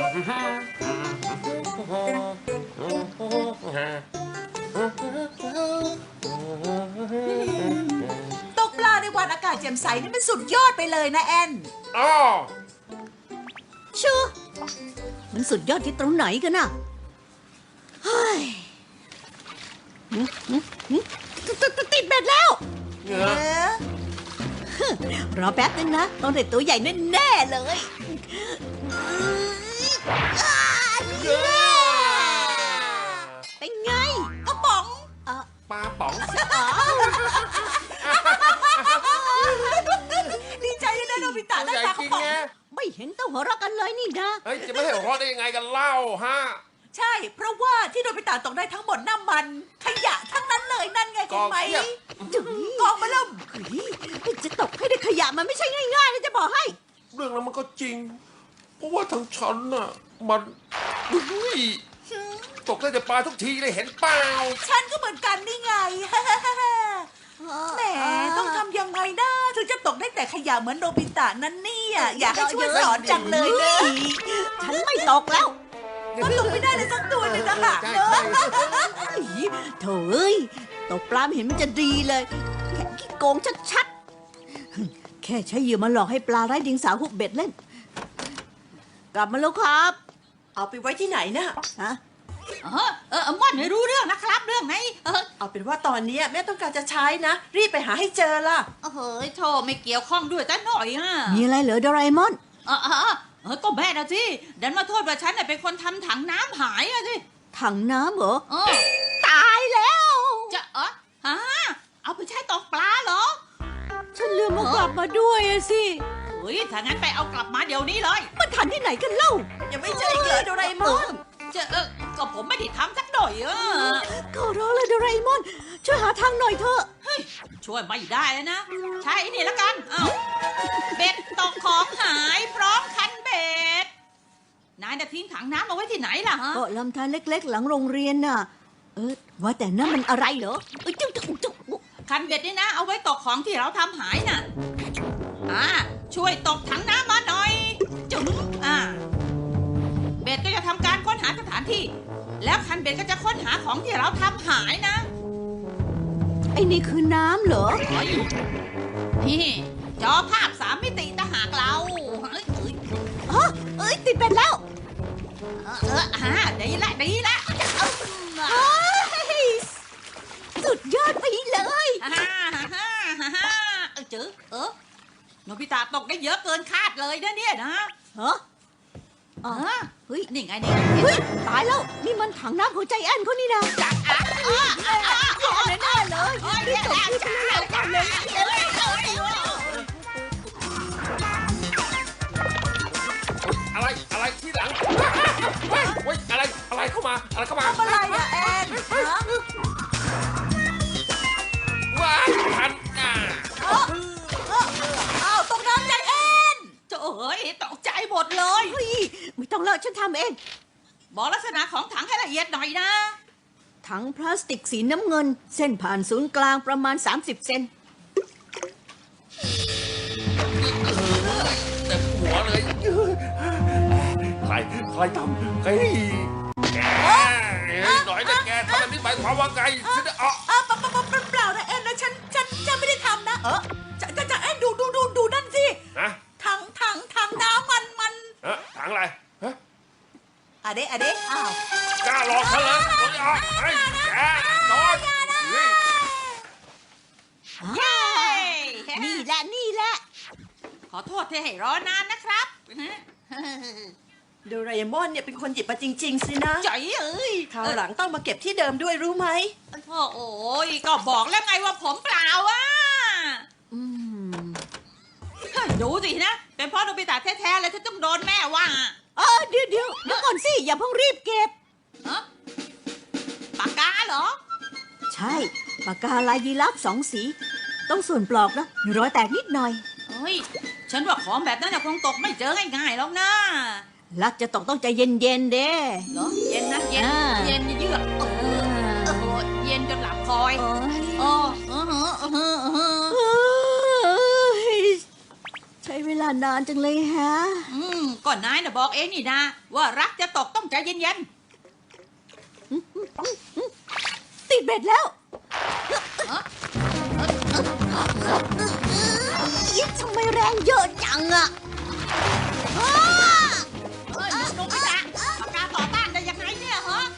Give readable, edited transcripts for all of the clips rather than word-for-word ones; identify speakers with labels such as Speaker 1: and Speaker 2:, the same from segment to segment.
Speaker 1: ตกปลาในวันอากาศแจ่มใสนี่มันสุดยอดไปเลยนะแอน
Speaker 2: อ๋อ
Speaker 3: ชูมันสุดยอดที่ตรงไหนกันน่ะเฮ้ยติดเบ็ดแล้ว
Speaker 2: เหงือ
Speaker 3: รอแป๊บนึงนะต้องได้ตัวใหญ่แน่ๆเลยเป็นไง
Speaker 1: กระป๋อง
Speaker 2: ปลาป๋อง
Speaker 1: ดีใจด้วยนะโนบิตะได้
Speaker 2: ใหญ่
Speaker 1: ปลาก
Speaker 2: จ
Speaker 1: ระ
Speaker 2: ริง
Speaker 1: ป๋อง
Speaker 2: ไง
Speaker 3: ไม่เห็นต้องหัวเราะกันเลยนี่นะ
Speaker 2: เฮ้ยจะไม่ให้หัวเราะได้ยังไงกันเล่าฮะ
Speaker 1: ใช่ เพราะว่าที่โนบิตะตกได้ทั้งหมดน้ำมัน ขยะทั้งนั้นเลยนั่นไงเห็นไหม
Speaker 3: จุ๋ย
Speaker 1: กองมาเริ่ม
Speaker 3: จะตกให้ได้ขยะมันไม่ใช่ง่ายๆนะจะบอกให้
Speaker 2: เรื่องนั้นมันก็จริง เพราะว่าทางฉันน่ะมันอุ้ยตกได้แต่ปลาทุกทีเลยเห็นเปล่า
Speaker 1: ฉันก็เหมือนกันนี่ไง แหมต้องทำยังไงนะถึงจะตกได้แต่ขยะเหมือนโนบิตะนั้นเนี่ยอยากให้ช่วยสอนจังเลยเนอะ
Speaker 3: ฉันไม่ตกแล้ว
Speaker 1: ก็ตกไม่ได้เลยสักตัวหนึ่งนะคะ
Speaker 2: ใช่
Speaker 1: เนอะ
Speaker 3: โถ่เอ้ยตกปลาไม่เห็นมันจะดีเลยแค่ขี้โกงชัดๆแค่ใช้เหยื่อมาหลอกให้ปลาไร้เดียงสาหุบเบ็ดเล่น กลับมาแล้วครับ
Speaker 1: เอาไปไว้ที่ไหนนะ
Speaker 3: ฮะ
Speaker 4: ม่อนไม่รู้เรื่องนะครับเรื่องไหน
Speaker 1: เอาเป็นว่าตอนนี้แม่ต้องการจะใช้นะ รีบไปหาให้เจอล่ะ
Speaker 4: เฮ้ยโธ่ไม่เกี่ยวข้องด้วยแต่หน่อยอ่ะ
Speaker 3: มีอะไรเหรอโดราเอมอน
Speaker 4: ก็แม่นะสิดันมาโทษว่าฉันน่ะเป็นคนทำถังน้ำหายอะสิ
Speaker 3: ถังน้ำเหรอ
Speaker 4: อ
Speaker 3: ตายแล้ว
Speaker 4: จะเอาไปใช้ตกปลาเหรอ
Speaker 3: ฉันลืมมากลับมาด้วยอะสิ
Speaker 4: เฮ้ยถ้างั้นไปเอากลับมาเดี๋ยวนี้เลย
Speaker 3: มันทันที่ไหนกันเล่า
Speaker 1: ยังไม่เจออีกเหรอโดราเอมอน
Speaker 4: ก็ผมไม่ได้ทำสักหน่อยอ่ะ
Speaker 3: ขอร้องเลยโดราเอมอน ช่วยหาทางหน่อยเถอะ
Speaker 4: เฮ้ยช่วยไม่ได้แล้วนะ ใช่นี่ละกันเบ็ดตกของหายพร้อมคันเบ็ดนายน่ะทิ้งถังน้ำเอาไว้ที่ไหนล่ะฮะ
Speaker 3: ก็ลำธารเล็กๆ หลังโรงเรียนน่ะ ว่าแต่นั่นมันอะไรเหรอจุ๊บ
Speaker 4: คันเบ็ดนี่นะ เอาไว้ตกของที่เราทำหายน่ะช่วยตกถังน้ำมาหน่อยจุ๋มเบ็ดก็จะทำการค้นหาสถานที่ แล้วคันเบ็ดก็จะค้นหาของที่เราทำหายนะ
Speaker 3: ไอ้นี่คือน้ำเหรอ
Speaker 4: นี่จอภาพ3 มิติต่างหากเรา
Speaker 3: ติดเป็ดแล้ว
Speaker 4: ดีละ
Speaker 3: สุดยอดไปเลย
Speaker 4: จือโนบิตะตกได้เยอะเกินคาดเลยนะเนี่ยนะ
Speaker 3: ฮะ เฮ้ย
Speaker 4: นี่ไง
Speaker 3: เฮ้ย ตายแล้ว นี่มันถังน้ำของใจแอนเขานี่นะแน่ๆเลยรีบจบที่ไปเลยกันเลย
Speaker 2: อะไรที่หลังเฮ้ยอะไรเข้ามา
Speaker 1: ทำอะไรอะแอนฮะ
Speaker 2: ว้ายทัน
Speaker 1: อ้าวตกน้ำใจแอน
Speaker 4: ตกใจหมดเลย
Speaker 3: เฮ้ย ไม่ต้องเลิกฉันทำเอง
Speaker 4: บอกลักษณะของถังให้ละเอียดหน่อยนะ
Speaker 3: ถังพลาสติกสีน้ำเงิน เส้นผ่านศูนย์กลางประมาณ30 เซน
Speaker 2: แต่หัวเลยใครทำแกหน่อยนะแกทำแบบนี้หมายความว่าไงฉันจะ
Speaker 1: เปล่านะแอนนะฉันไม่ได้ทำนะจะแอนดูนั่นสิ
Speaker 2: นะ
Speaker 1: ถังน้ำมัน
Speaker 2: ถังอะไรฮะ
Speaker 1: อะเดะอ้าว
Speaker 2: กล้าหลอกฉันเหรอแกนอน
Speaker 3: นี่แหละ
Speaker 4: ขอโทษที่ให้รอนานนะครับ
Speaker 1: โดราเอมอนเนี่ยเป็นคนหยิบมาจริงๆสินะ
Speaker 4: ใจ
Speaker 1: คราวหลังต้องมาเก็บที่เดิมด้วยรู้ไหม
Speaker 4: โอ้ยก็บอกแล้วไงว่าผมเปล่าดูสินะ เป็นเพราะโนบิตะแท้ๆเลยที่ต้องโดนแม่ว่า
Speaker 3: เดี๋ยวก่อนสิ อย่าเพิ่งรีบเก็บ
Speaker 4: ปากกาเหรอ
Speaker 3: ใช่ ปากกาลายยีราฟ2 สี ต้องส่วนปลอกนะมีรอยแตกนิดหน่อย
Speaker 4: เฮ้ย ฉันว่าของแบบนั้นคงตกไม่เจอง่ายๆหรอกนะ
Speaker 3: ลักจะตกต้องใจเย็นๆเด้
Speaker 4: เหรอเย็นนะเย็นเยือกเย็นจนหลับคอย
Speaker 3: ใช้เวลานานจังเลยฮะ
Speaker 4: ก่อนนายนะบอกเองนี่นะ ว่ารักจะตกต้องใจเย็น
Speaker 3: ติดเบ็ดแล้ว
Speaker 4: ๆฮะ
Speaker 3: ยิ่งทำไมแรงเยอะจังอะอ้า
Speaker 4: เฮ้ยโนบิตะปากกาต่อต้านได้ยังไงเนี่ยฮะ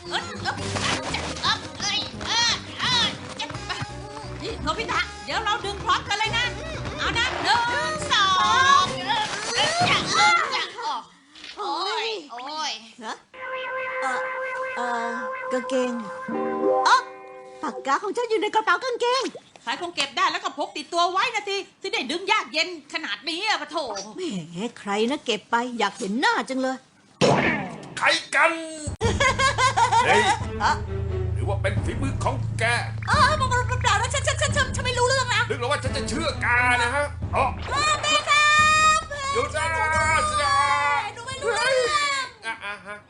Speaker 4: นี่โนบิตะเดี๋ยวเราดึงพร้อมกันเลยนะ เอานะ1 2โอ้ย
Speaker 3: ฮะกางเกงอ๋อปากกาของฉันอยู่ในกระเป๋ากางเกง
Speaker 4: ใครคงเก็บได้แล้วก็พกติดตัวไว้นะสิที่ได้ดึงยากเย็นขนาดนี้อะปะโถ
Speaker 3: แหมใครนะเก็บไปอยากเห็นหน้าจังเลย
Speaker 2: ใครกัน เฮ้ยหรือว่าเป็นฝีมือของแก
Speaker 1: มันเปล่านะฉันไม่รู้เรื่องนะ
Speaker 2: นึกแล้วว่าฉันจะเชื่อกานะฮะอ๋อ
Speaker 1: แม่ครับ
Speaker 2: หยุดนะสินะ
Speaker 1: หนูไม่รู้เรื่อง
Speaker 2: ฮะ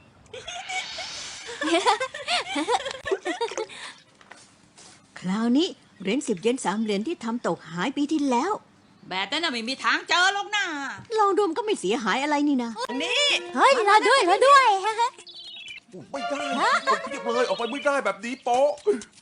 Speaker 3: คราวนี้เหรียญ10 เยน3 เหรียญที่ทำตกหายปีที่แล้ว
Speaker 4: แบบนั้นน่ะไม่มีทางเจอหรอกนะ
Speaker 3: ลองดูมันก็ไม่เสียหายอะไรนี่นะ
Speaker 1: นี่
Speaker 3: เฮ้ยรอด้วย
Speaker 2: ไม่ได้คนเพียบเลยออกไปไม่ได้แบบนี้โป๊ะ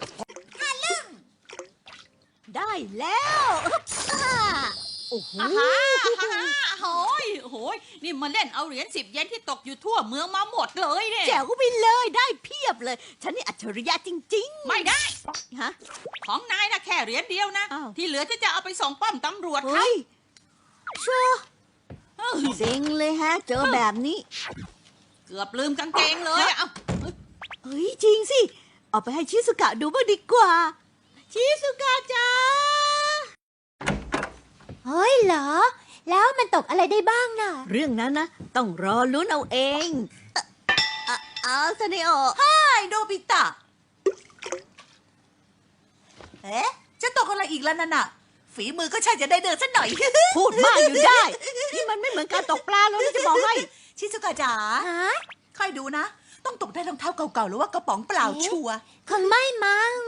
Speaker 3: ได้แล้วโอ้โห
Speaker 4: โอ้ยนี่มาเล่นเอาเหรียญ10 เยนที่ตกอยู่ทั่วเมืองมาหมดเลยเนี่ย
Speaker 3: แจ๋วไปเลยได้เพียบเลย ฉันนี่อัจฉริยะจริง
Speaker 4: ไม่ได้
Speaker 3: ๆฮะ
Speaker 4: ของนายนะแค่เหรียญเดียวนะ
Speaker 3: อ้าว
Speaker 4: ที่เหลือจะเอาไปส่งป้อมตำรวจ
Speaker 3: เฮ้ยชัวร์
Speaker 4: เอ้า
Speaker 3: เซ็งเลยฮะ เจอแบบนี้
Speaker 4: เกือบลืมกางเกงเลยอะเอ้า
Speaker 3: เฮ้ยจริงสิ เอาไปให้ชิสุกะดูบ้างดีกว่า ชิสุกะจ้า
Speaker 5: เฮ้ยเหรอ แล้วมันตกอะไรได้บ้างน่ะ
Speaker 3: เรื่องนั้นนะ ต้องรอลุ้นเอาเองเอาซะนี่ออก
Speaker 1: ไอ้โนบิตะเอ๊ะจะตกอะไรอีกแล้วนั่นน่ะ ฝีมือก็ใช่จะได้เดินสักหน่อย
Speaker 3: พูดมากอยู่ได้ นี่มันไม่เหมือนการตกปลาแล้วนะจะบอกให้
Speaker 1: ชิซุกะจ๋า
Speaker 5: ฮะ
Speaker 1: ค่อยดูนะ ต้องตกได้รองเท้าเก่าๆหรือว่ากระป๋องเปล่าชัวร์
Speaker 5: คงไม่มั้ง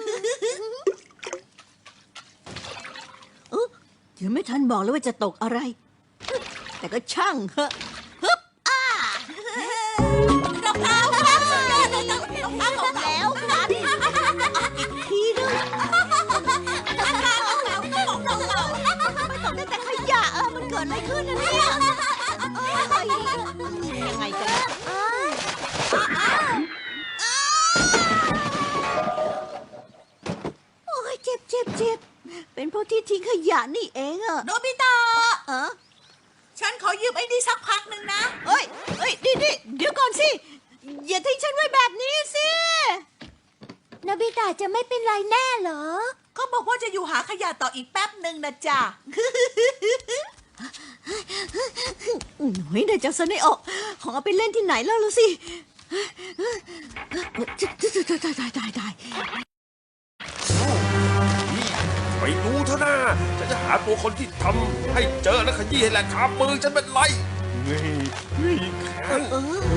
Speaker 3: ยังไม่ทันบอกเลยว่าจะตกอะไร แต่ก็ช่างเหอะฮึบ
Speaker 1: รองเท้าครับสุดยอดเลยรองเท้าของ
Speaker 3: แล้วกันอีกทีนึงไม่ตกได้แต่ขยะมันเกิดอะไรขึ้นนะเนี่ยยังไงกันโอ้ยเจ็บ เป็นเพราะที่ทิ้งขยะนี่เองอะ
Speaker 1: โนบิตะ ฉันขอยืมไอ้นี่สักพักหนึ่งนะ
Speaker 3: เอ้ยดิเดี๋ยวก่อนสิ อย่าทิ้งฉันไว้แบบนี้สิ
Speaker 5: โนบิตะจะไม่เป็นไรแน่เหรอ
Speaker 1: ก็บอกว่าจะอยู่หาขยะต่ออีกแป๊บหนึ่งนะจ๊ะ
Speaker 3: เฮ้ยเดี๋ยวเจ้าสนออกของเอาไปเล่นที่ไหนแล้วล่ะสิตาย
Speaker 2: ไปดูเถอะนะฉันจะหาตัวคนที่ทำให้เจอและขยี้ให้แหละขามือฉันเป็นไรนี่แข็ง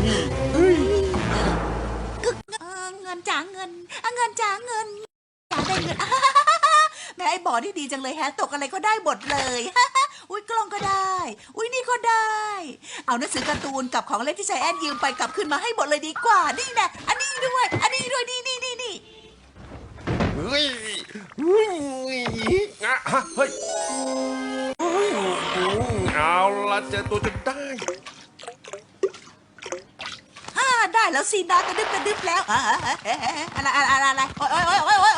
Speaker 1: เงินจ๋าเงินเงินจ๋าเงินจ๋าได้เงินแม่ไอ้บอนี่ดีจังเลยแฮะตกอะไรก็ได้หมดเลย อุ้ยกล้องก็ได้ อุ้ยนี่ก็ได้ เอาหนังสือการ์ตูนกับของเล่นที่ใจแอนยืมไปกลับขึ้นมาให้หมดเลยดีกว่า นี่แน่อันนี้ด้วยนี่
Speaker 2: เฮ้ยเอาละเจอตัวจนได้
Speaker 1: ได้แล้วสินะกระดึบแล้วอะไรโอ้ย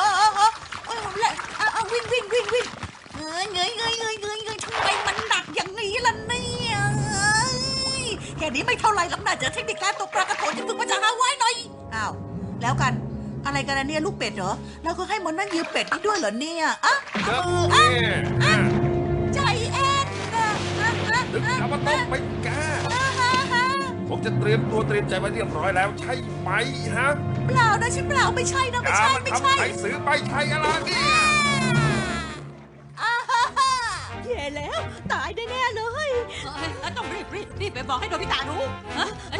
Speaker 1: วิ่งเงยทำไมมันหนักอย่างนี้ล่ะเนี่ยแค่นี้ไม่เท่าไรหรอกนะเจอเทคนิคการตกปลากระโถนที่ฝึกมาจากฮาวายหน่อยอ้าวแล้วกันอะไรกันนะเนี่ยลูกเป็ดเหรอแล้วก็ให้มันนั่นยืมเป็ดนี่ด้วยเหรอเนี่ยใจแอน
Speaker 2: นึกแล้วว่าต้องไปแกผมจะเตรียมตัวเตรียมใจไว้เรียบร้อยแล้วใช่ไหมฮะ
Speaker 1: เปล่านะฉันเปล่าไม่ใช่นะไม่ใช่
Speaker 2: ใครซื้อไปใช่อะไรเนี่ย
Speaker 3: แย่แล้วตายแน่เลย
Speaker 4: ต้องรีบไปบอกให้โนบิตะรู้ฮะโน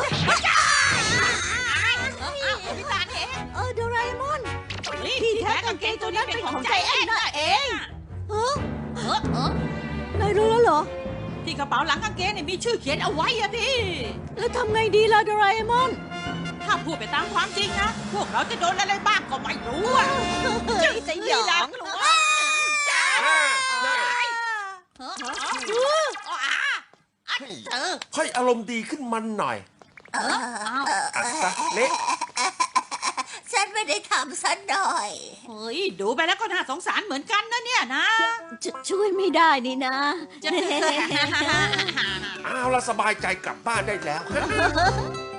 Speaker 4: บิตะเอง
Speaker 3: โดราเอมอน
Speaker 4: ที่แท้กางเกงตัวนี้เป็นของใจแอนน่ะเอง
Speaker 3: นายรู้แล้วเหรอ
Speaker 4: ที่กระเป๋าหลังกางเกงเนี่ยมีชื่อเขียนเอาไว้อะพี่
Speaker 3: แล้วทำไงดีล่ะโดราเอมอน
Speaker 4: ถ้าพูดไปตามความจริงนะ พวกเราจะโดนอะไรบ้างก็ไม่รู้อะ
Speaker 5: สยอง
Speaker 4: กลัว
Speaker 2: ให้อารมณ์ดีขึ้นมันหน่อยอัดซะเละ
Speaker 1: ฉันไม่ได้ทำซะหน่อย
Speaker 4: เฮ้ย ดูไปแล้วก็น่าสงสารเหมือนกันนะเนี่ยนะ
Speaker 3: ช่วยไม่ได้นี่นะ
Speaker 4: จะ
Speaker 2: เอาละสบายใจกลับบ้านได้แล้ว